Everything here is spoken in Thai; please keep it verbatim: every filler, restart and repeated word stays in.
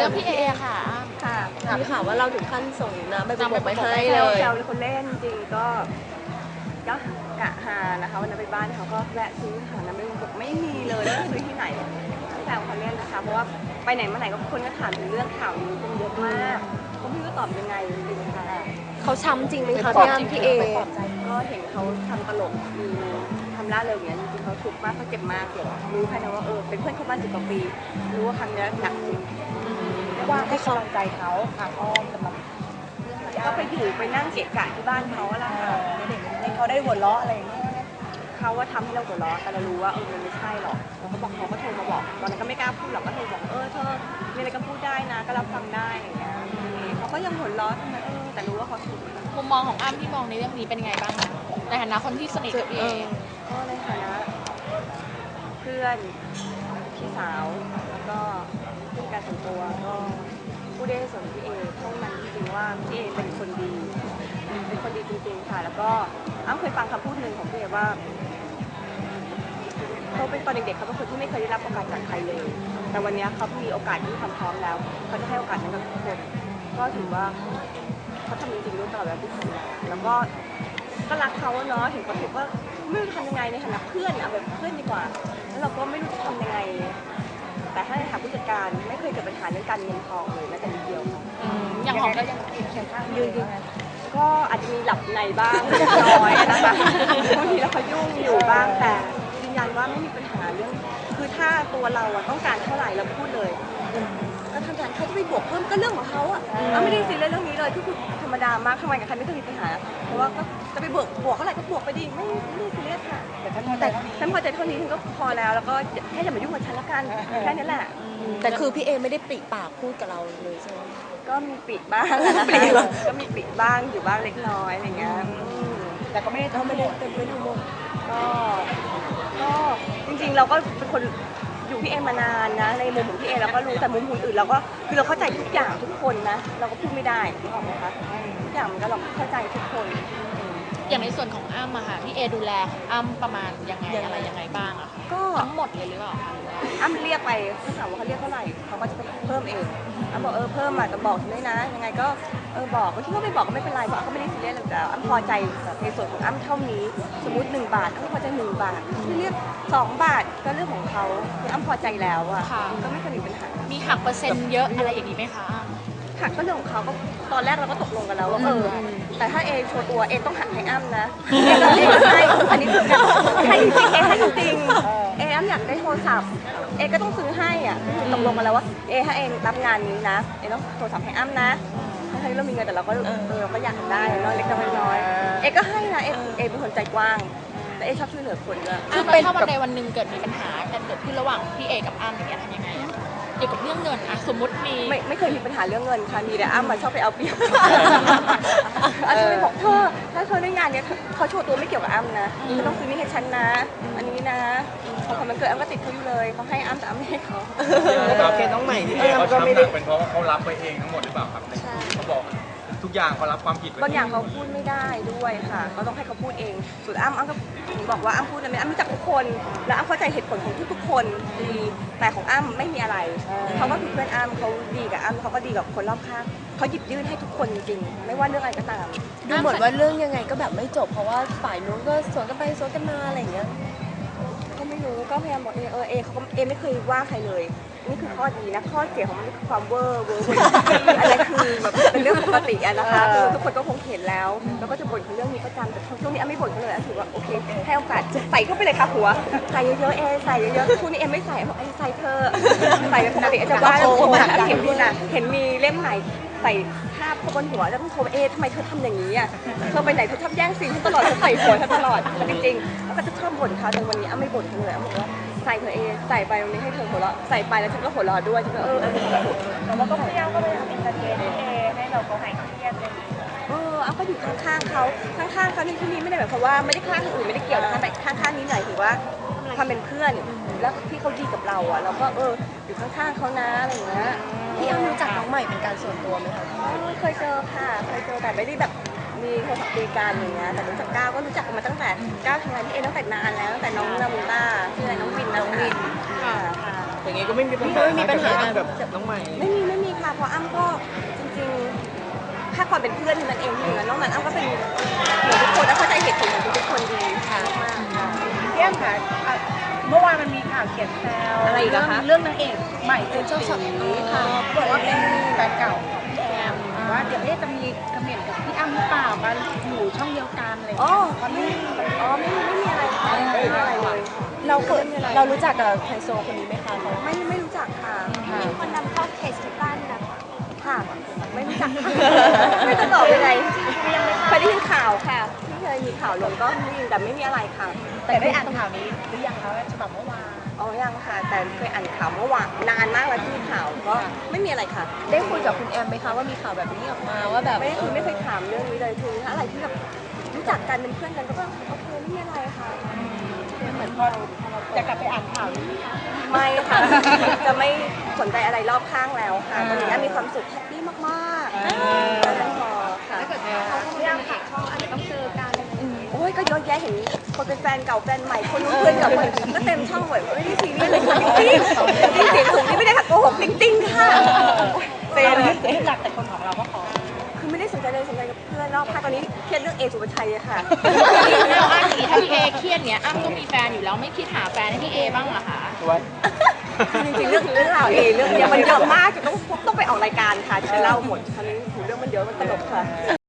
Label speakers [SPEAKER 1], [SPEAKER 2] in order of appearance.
[SPEAKER 1] รื่องพี่เอค่ะ
[SPEAKER 2] ค่ะ
[SPEAKER 3] มีข่าวว่าเราถึงขั้นส่งนะไปบอกไปให้เลย
[SPEAKER 2] แซวคนเล่นจริงก็ก็กะหานะคะวันนั้นไปบ้านเขาก็แวะซื้อหาน้ำไม่บอกไม่มีเลยไม่ซื้อที่ไหนแซวเขาเล่นนะคะเพราะว่าไปไหนมาไหนก็คนก็ถามถึงเรื่องข่าวนี้กันเยอะมากก็ไม่รู้จะตอบยังไงจริงๆค่ะ
[SPEAKER 3] เขาช้ำจริงไหมคะพี่อ้ำพี่เอ
[SPEAKER 2] ก็เห็นเขาทำตลกมีทำล่าเริงอย่างนี้จริงๆเขาทุกข์มากเขาเจ็บมากรู้แค่นั้นว่าเออเป็นเพื่อนเขาบ้านสิบกว่าปีรู้ว่าครั้งนี้หนักจริง
[SPEAKER 1] เรียกว่าให้กำลังใจเขาทางอ้อมสำหรับ
[SPEAKER 2] ก็ไปอยู่ไปนั่งเกะกะที่บ้านเขาอะไรค่ะ
[SPEAKER 1] ให้เขาได้หัวเราะอะไรอย่างเงี้ย
[SPEAKER 2] เขาว่าทำให้เราหัวเราะแต่เรารู้ว่าเออมันไม่ใช่หรอกแล้วเขาบอกเขาก็โทรมาบอกตอนนั้นก็ไม่กล้าพูดหรอกก็โทรบอกเออเธอมีอะไรก็พูดได้นะก็รับฟังได้อย่างเงี้ยเขาก็ยังหัวเราะทำไมเออแต่รู้ว่าเขาถูก
[SPEAKER 1] มุมมองของอ้ำที่มองในเรื่องนี้เป็นยังไงบ้างคะในฐานะคนที่สนิทกับพี่เอ
[SPEAKER 2] ก็ในฐานะเพื่อนพี่สาวแล้วก็ผู้การส่วนตัวก็ผู้ได้ส่วนพี่เอเท่านั้นจริงๆว่าพี่เอเป็นคนดีเป็นคนดีจริงๆค่ะแล้วก็อ้ำเคยฟังคำพูดหนึ่งของพี่เอว่าเขาเป็นตอนเด็กๆเขาเป็นคนที่ไม่เคยได้รับโอกาสจากใครเลยแต่วันนี้เขามีโอกาสที่ทำพร้อมแล้วเขาจะให้โอกาสนั้นกับทุกคนก็ถือว่าเขาทำจริงๆด้วยตลอดเวลาที่ทำงานแล้วก็ก็รักเขาเนาะเห็นเขาถูกว่าไม่รู้จะทำยังไงในฐานะเพื่อนเอาแบบเพื่อนดีกว่าแล้วเราก็ไม่รู้จะทำยังไงแต่ถ้าในฐานะผู้จัดการไม่เคยเกิดปัญหาเรื่องการเงินทองเลยแม้แต่นิดเดียว
[SPEAKER 1] อย่างของก็ยัง
[SPEAKER 2] เคียงข้างยืนก็อาจจะมีหลับในบ้างเล็กน้อยนะคะบางทีแล้วเขายุ่งอยู่บ้างแต่ยืนยันว่าไม่มีปัญหาเรื่องคือถ้าตัวเราต้องการเท่าไหร่เราพูดเลยก็ทำงานเขาจะไปบวกเพิ่มก็เรื่องของเขาอ่ะไม่ได้ซีเรียสเรื่องนี้เลยที่คือธรรมดามากทำงานกับใครไม่เคยมีปัญหาเพราะว่าก็จะไปบวกบวกเท่าไหร่ก็บวกไปดีไม่ไม่ซีเรียสค่ะแต่ฉันพอใจเท่านี้ฉันพอใจเท่านี้ฉันก็พอแล้วแล้วก็แค่อย่ามายุ่งกับฉันละกันแค่นี้แหละ
[SPEAKER 3] แต่คือพี่เอไม่ได้ปริปากพูดกับเราเลยใช่ไหม
[SPEAKER 2] ก็มีปิดบ้างก็มีปิดบ้างอยู่บ้างเล็กน้อยอะไรเงี้ย
[SPEAKER 1] แต่ก็ไม่ได้
[SPEAKER 3] ไม่ได้เป็นไม่ดูโม
[SPEAKER 2] ก็ก็จริงๆเราก็เป็นคนอยู่พี่เอมานานนะในมุมของพี่เอเราก็รู้แต่มุมคนอื่นเราก็คือเราเข้าใจทุกอย่างทุกคนนะเราก็พูดไม่ได้ถูกไหมคะทุกอย่างมันก็เราเข้าใจทุกคน
[SPEAKER 1] อย่างในส่วนของอ้ำอะค่ะพี่เอดูแลอ้ำประมาณยังไงอะไรยังไงบ้างอะ
[SPEAKER 2] ก็
[SPEAKER 1] ทั้งหมดเลยหรือเปล่าคะ
[SPEAKER 2] อ้ำเรียกไปเขาถามว่าเขาเรียกเท่าไหร่เขาก็จะเพิ่มเองอ้ำบอกเออเพิ่มมาแต่บอกด้วยนะยังไงก็เออบอกที่ว่าไม่บอกก็ไม่เป็นไรเพราะก็ไม่ได้ซีเรียสเลยแต่อ้ำพอใจในส่วนของอ้ำเท่านี้สมมติหนึ่งบาทอ้ำพอใจหนึ่งบาทที่เรียกสองบาทก็เรื่องของเขาคืออ้ำพอใจแล้วอะก็ไม่เคยมีปัญหา
[SPEAKER 1] มีหักเปอร์เซ็นต์เยอะอะไรอย่างนี้ไหมคะ
[SPEAKER 2] หักก็เรื่องของเขาก็ตอนแรกเราก็ตกลงกันแล้วว่าเออแต่ถ้าเอโชว์ตัวเอต้องหักให้อ้ำนะเอก็เอก็ให้อันนี้คือให้จริงเอให้จริงเออ้ำอยากได้โทรศัพท์เอก็ต้องซื้อให้อ่ะตกลงกันแล้วว่าเอถ้าเองรับงานนี้นะเอต้องโทรศัพท์ให้อ้ำนะถ้าเรามีเงินแต่เราก็เออเราก็อยากได้เนาะเล็กน้อยเอก็ให้นะเอเอเป็นคนใจกว้างแต่เอชอบช่วยเหลือคนด้วย
[SPEAKER 1] คือเป็นถ้าวันใดวันหนึ่งเกิดมีปัญหากันเกิดขึ้นระหว่างพี่เอกับอ้ำอย่างเงี้ยทำยังไงเกี่ยวกับเรื่องเงินอะสมมติมี
[SPEAKER 2] ไม่ไม่เคยมีปัญหาเรื่องเงินค่ะมีแต่อ้ำมาชอบไปเอาเปรียบอ้ำจะไปบอกเธอถ้าเธอได้งานเนี้ยเขาโชว์ตัวไม่เกี่ยวกับอ้ำนะเธอต้องซื้อนี่ให้ฉันนะอันนี้นะพอมันเกิดอ้ำก็ติดเขาอยู่เลยเขาให้อ้ำแต่อ้ำไม่ให้เขา
[SPEAKER 4] โอเคน้องใหม่ที่เขาช้ำหนักเป็นเพราะว่าเขารับไปเองทั้งหมดหรือเปล่าครับเขาบอกทุกอย่างเขารับความผิด
[SPEAKER 2] บางอย่างเขาพูดไม่ได้ด้วยค่ะก็ต้องให้เขาพูดเองส่วนอ้ำอ้ำก็บอกว่าอ้ำพูดนะอ้ำรู้จักทุกคนและอ้ำเข้าใจเหตุผลของทุกๆคนดีแต่ของอ้ำไม่มีอะไรเขาก็คือเพื่อนอ้ำเขาดีกับอ้ำเขาก็ดีกับคนรอบข้างเขาหยิบยื่นให้ทุกคนจริงๆไม่ว่าเรื่องอะไรก็ตาม
[SPEAKER 3] ดูเหมือนว่าเรื่องยังไงก็แบบไม่จบเพราะว่าฝ่ายนู้นก็สวนกันไปสวนกันมาอะไรอย่างเงี้ย
[SPEAKER 2] ก็ไม่รู้ก็พยายามบอกเออเอเขาเอไม่เคยว่าใครเลยนี่คือข้อดีนะข้อเสียของมันคือความเวอร์เวอร์อะไรคือแบบเป็นเรื่องปกติอะนะคะคือทุกคนก็คงเห็นแล้วแล้วก็จะบ่นเรื่องนี้ประจำแต่ช่วงนี้อ้ำไม่บ่นเขาเลยอ้ำถือว่าโอเคให้โอกาสใส่เข้าไปเลยค่ะหัวใส่เยอะๆเอใส่เยอะๆช่วงนี้เอไม่ใส่บอกเอใส่เธอใส่ปกติอาจจะว่าแล้วผมเห็นคุณอะเห็นมีเล่มไหนใส่ภาพบนหัวแล้วต้องโทรเอทำไมเธอทำอย่างนี้อ่ะเธอไปไหนเธอชอบแย่งซีนตลอดเธอใส่หัวเธอตลอดจริงๆแล้วก็จะชอบบ่นเขาแต่วันนี้อ้ำไม่บ่นเลยอ้ำบอกว่าใส่เธอเอใส่ไปวันนี้ให้เธอหัวเราะใส่ไปแล้วฉันก็หัวเราะด้วยฉันก็เออแต่ว่าก็พยายามก็พยายามอินเตอร์เทนเอให้เราเขาหายเครียดเลยเอออ้ำก็อยู่ข้างๆเขาข้างๆเขาในที่นี้ไม่ได้หมายความว่าไม่ได้ข้างอื่นไม่ได้เกี่ยวนะคะแต่ข้างๆนี้หน่อยถือว่าความเป็นเพื่อนแล้วที่เขาดีกับเราอ่ะเราก็เอออยู่ข้างๆเขานะอะไรอย่างเงี้ย
[SPEAKER 3] พี่อ้ำรู้จักน้องใหม่เป็นการส่วนตัวไหมคะ
[SPEAKER 2] เคยเจอค่ะเคยเจอแต่ไม่ได้แบบมีโทรศัพท์คุยกันอย่างเงี้ยแต่รู้จักก้าวก็รู้จักกันมาตั้งแต่ก้าวทำงานที่เอตั้งแต่นานแล้วตั้งแต่น้องนามูต้าชื่อน้องวินน้องวินค่ะ
[SPEAKER 4] อย่างงี้ก็ไม่มีปัญหา
[SPEAKER 3] ไม่มีปัญหา
[SPEAKER 4] กับน้องใหม่
[SPEAKER 2] ไม่มีไม่มีราะอ้ำก็จริงๆแค่ความเป็นเพื่อนเท่านั้นเองที่เหลือนอกนั้นอ้ำก็เป็นเหมือนทุกคนแล้วเข้าใจเหตุผลของทุกคนดีค่ะมากค่ะ
[SPEAKER 5] พี่แอมค่ะอ่ะเมื่อวานมันมีข่าวเขียนแซว
[SPEAKER 2] อะไรอีกอะคะ
[SPEAKER 5] เรื่องนางเอกใหม่เป็น
[SPEAKER 3] เจ้า
[SPEAKER 5] เจ้า
[SPEAKER 3] สา
[SPEAKER 5] สาว ว
[SPEAKER 3] ค่ะ
[SPEAKER 5] บอกว่าเป็นแฟนเก่าของพี่แอมว่าเดี๋ยวเอ๊ะจะมีคอมเมนต์กับพี่อ้ำหรือเปล่ามาอยู่ช่องเดียวกันอะไรอย่าง
[SPEAKER 2] อ๋อ
[SPEAKER 5] เงี้ยเพราะนี่
[SPEAKER 2] อ๋อไม่ไม่มีอะไรค่ะไม่มีอะไรเลย
[SPEAKER 3] เราเกิดเรารู้จักกับไฮโซคนนี้ไหมคะเขา
[SPEAKER 2] ไม่ไม่รู้จักค่ะ
[SPEAKER 3] มีคนนำเข้าเคสที่บ้านนะ
[SPEAKER 2] ค่ะ ไม่รู้จักค่ะไม่จะตอบยังไงเคยได้ยินข่าวค่ะที่เคยมีข่าวลงก็ได้ยินแต่ไม่มีอะไรค่ะ
[SPEAKER 5] แต่ได้อ่านข่าวนี้หรือยังคะฉบับเมื่อวาน
[SPEAKER 2] อ๋อยังค่ะ แต่เคยอ่านข่าวเมื่อวานนานมากแล้วที่มีข่าวก็ไม่มีอะไรค่ะ
[SPEAKER 3] ได้คุยกับคุณแอมไหมคะว่ามีข่าวแบบนี้ออกมาว่าแบบ
[SPEAKER 2] ไม่ได้คุยไม่เคยถามเรื่องนี้เลยคือถ้าอะไรที่แบบรู้จักกันเป็นเพื่อนกันก็โอเคไม่มีอะไรค่ะ
[SPEAKER 5] เหมือนพอจะกลับไปอ่านข่าวนี้
[SPEAKER 2] ไม่ค่ะ จะไม่สนใจอะไรรอบข้างแล้วค่ะตอนนี้มีความสุขแฮปปี้มากๆก็นั้นพอค่ะ
[SPEAKER 3] พี่แอมค่ะช่องอาจจะต้องเจอกัน
[SPEAKER 2] โอ้ยก็เยอะแยะเห็นคนเป็นแฟนเก่าแฟนใหม่คนนู้นเพื่อนเก่าคนก็เต็มช่องหมดไม่ได้ซีเรียสเลยค่ะจริงๆจริงๆเสียงสูงนี่ไม่ได้ค่ะโกหกจริงๆค่ะเซ
[SPEAKER 5] เรา
[SPEAKER 2] เลย
[SPEAKER 5] ไม่รู้จักแต่คนของเราก็ขอ
[SPEAKER 2] คือไม่ได้สนใจเลยสนใจกับเพื่อนรอบข้างตอนนี้เครียดเรื่องเอสุภาชัยอะค่ะ
[SPEAKER 1] แล้วอ้ำอย่างนี้ถ้าพี่เอเครียดเนี้ยอ้ำก็มีแฟนอยู่แล้วไม่คิดหาแฟนให้พี่เอบ้างเหรอคะ
[SPEAKER 2] จริงๆเรื่องเรื่องราวเอเรื่องเนี้ยมันเยอะมากจนต้องต้องไปออกรายการค่ะจะเล่าหมดคราวนี้เรื่องมันเยอะมันตลกค่ะ